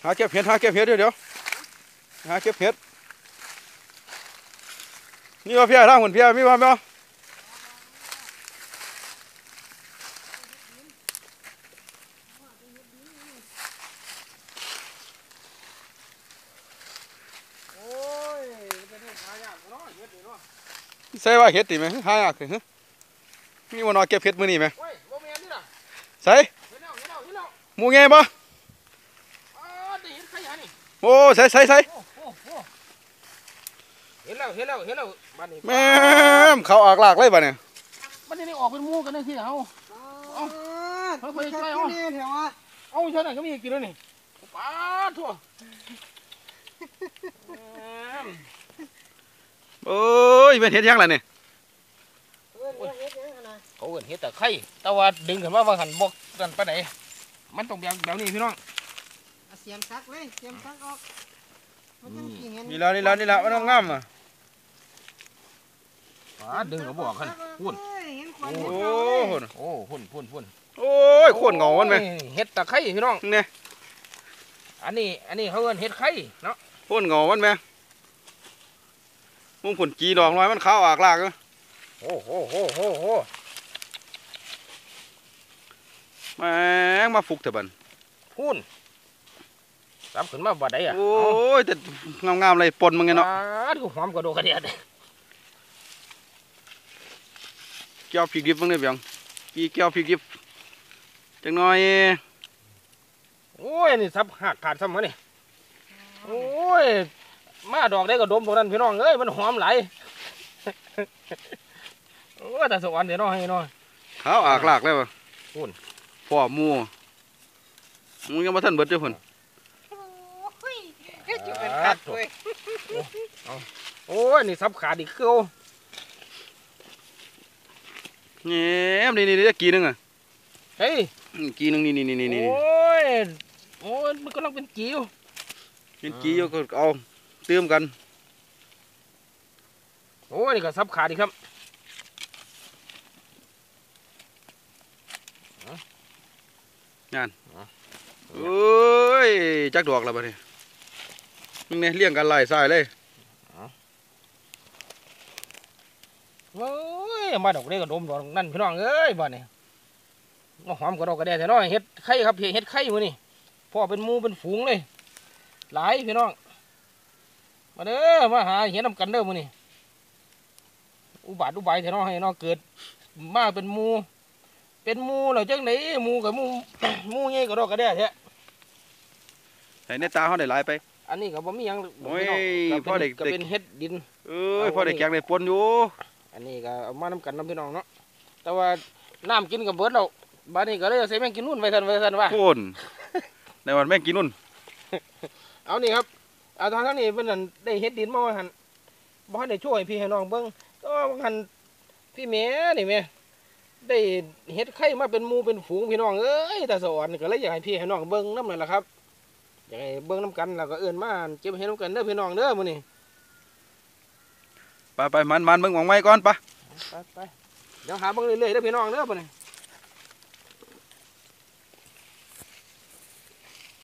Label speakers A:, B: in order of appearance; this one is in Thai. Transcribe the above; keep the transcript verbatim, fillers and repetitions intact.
A: หาเก็บเห็ดหาเก็บเห็ดเดี๋ยวเดี๋ยวหาเก็บเห็ดนี่ว่าเพี้ยร่างเหมือนเพี้ยมีว่าไหมใส่ว่าเห็ดตีไหมหายากเลยมีวันนอเก็บเห็ดมือนี่ไหมใส่หมูเงี้ยบ่โอ้ใส่ใส่ใส่
B: เห็นแล้วเห็นแล้วเห็นแล้วบ้านนี้
A: แม่เขาออกหลากเลยบ้านเนี่ย
B: บ้านนี้ออกเป็นมูกันเลยที่เอาเอาเฮ้ยใช่เอาเอาใช่ไหมก็มีกินแล้วนี่ป้าทั่ว
A: โอ้ยเป็นเห็ดยังไงเนี่ย
B: เขาเห็นเห็ดแต่ไข่แต่ว่าดึงขึ้นมาบางหันบกกันไปไหนมันต้องแบบแบบนี้พี่น้อง
C: เสียมซักเลยเสียมซักออก
A: นี่แล้วนี่แล้วนี่แล้วมันต้องงามอ่ะ
B: ดึงเขาบอกกันพุ่น
A: โอ้หุ่น
B: โอ้พุ่นพุ่นพุ่น
A: โอ้ยขวดเงามันไหม
B: เห็ดตะไคร้พี่น้อง
A: เนี่ย
B: อันนี้อันนี้เขาเอิ้นเห็ดไข่เนาะ
A: ขวดเงามันไหมมุ้งผลจีดอกน้อยมันขาวอากลากเลย
B: โอ้โหโหโหโห
A: แม่งมาฟุกเถอะบัน
B: พุ่นรับขึ้นมาบ่ได้อ่ะ
A: โอ้ยแต่งามๆเลยปนมึงไงเนาะ
B: ดูหอมกระโดดกระเดียด
A: เกี่ยวพริกดิบมึงเนี่ยเบียงกี่เกี่ยวพริกดิบจังน้อย
B: โอ้ยนี่ซับหักขาดซ้ำมาเนี่ยโอ้ยมาดอกได้ก็ดมตรงนั้นพี่น้องเอ้ยมันหอมไหลโอ้แต่สวรรค์เดี๋ยวน้อยให้น้อย
A: ขาวอากลากเลยป่ะ
B: พุ่น
A: พ่อมูมึงยังมาทันเบิดเจ้าพุ่น
B: โอ้ยนี่ซับขาดอีกเกลียว
A: เนี่ยนี่นี่นี่กี่นึงอ่ะ
B: เฮ้ย
A: กี่นึงนี่นี่นี่นี่
B: โอ้ยโอ้ยมันกำลังเป็นกี่อยู่
A: เป็นกี่อยู่ก็เอาเติมกัน
B: โอ้ยนี่ก็ซับขาดอีกครับ
A: งานโอ้ยจักดอกแล้วบ้านี่มึงเนี่ยเลี้ยงกันไล่สายเลย
B: โอ้ยมาดอกเล็กกระดมดอกนั่นพี่น้องเอ้ยบ้านนี่มาหอมกระดอกกระเดียแต่น้อยเห็ดไข่ครับเห็ดไข่มือนี่พ่อเป็นมูเป็นฝูงเลยหลายพี่น้องมาเด้อมาหาเห็ดน้ำกันเด้อมือนี่อุบาทอุบายแต่น้อยให้น้องเกิดมาเป็นมูเป็นมูเหรอจังไหนมูกับมูมูเงี้ยกระดอกกระเดียแท้
A: ไอ้ในตาเขาได้หลายไป
B: อันนี้ก็บ่มียัง
A: โอ้ยพ่อเด็ก
B: ก็เป็นเห็ดดิน
A: เออพ่อเด็กแกงได้ปนอยู่
B: อันนี้ก็เอามาน้ำกันน้ำพี่น้องเนาะแต่ว่าน้ำกินกับเบิร์ดเราบ้านนี้ก็เลยใส่แมงกินนุ่นไว้ทันไว้ทันว่า
A: คนในวันแมงกินนุ่น
B: เอานี่ครับเอาทางทั้งนี้เป็นได้เห็ดดินมาว่าหันบ้านได้ช่วยพี่ให้น้องเบิ้งก็หันพี่เมย์นี่เมย์ได้เห็ดไข่มาเป็นมูเป็นฝูงพี่น้องเอ้ยแต่สวรรค์ก็เลยอยากให้พี่ให้น้องเบิ้งน้ำนั่นแหละครับอยากให้เบิ้งน้ำกันแล้วก็เอื้อนมาเก็บเห็ดน้ำกันเด้อพี่น้องเด้อมื้อนี้
A: ไปไปมันมันเบิ้งหวังไว้ก่อนปะ
B: ไปไปเดี๋ยวหาเบิ้งเรื่อยๆเด้อพี่น้องเด้อมื้อนี้